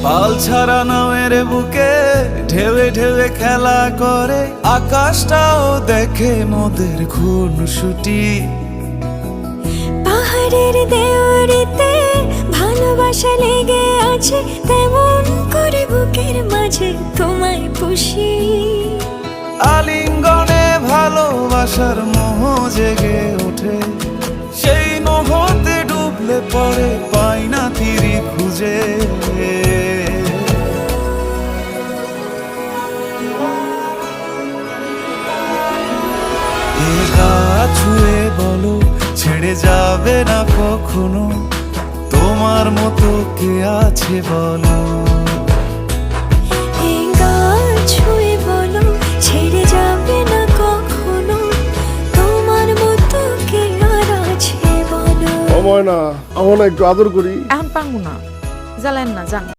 পাল ছাড়া নামের বুকে ঢেউে ঢেউে খেলা করে, আকাশটাও দেখে মোদের খুনসুটি। পাহাড়ের দেওয়ারিতে ভালোবাসা লেগে আছে, তেমন করে বুকের মাঝে তোমায় পুষি। আলিঙ্গনে ভালোবাসার মোহ জেগে ওঠে, সেই মোহতে ডুবলে পরে পাই না তীরে খুঁজে। এ গা ছুঁয়ে বলো ছেড়ে যাবে না কখনো, তোমার মতো কে আছে বলো। এই গা ছুঁয়ে বলো ছেড়ে যাবে না কখনো, তোমার মতো কে আর আছে বলো। না আমার না একটু আদর করি। এখন পাঙ্গু না, জ্বালেন না, জান।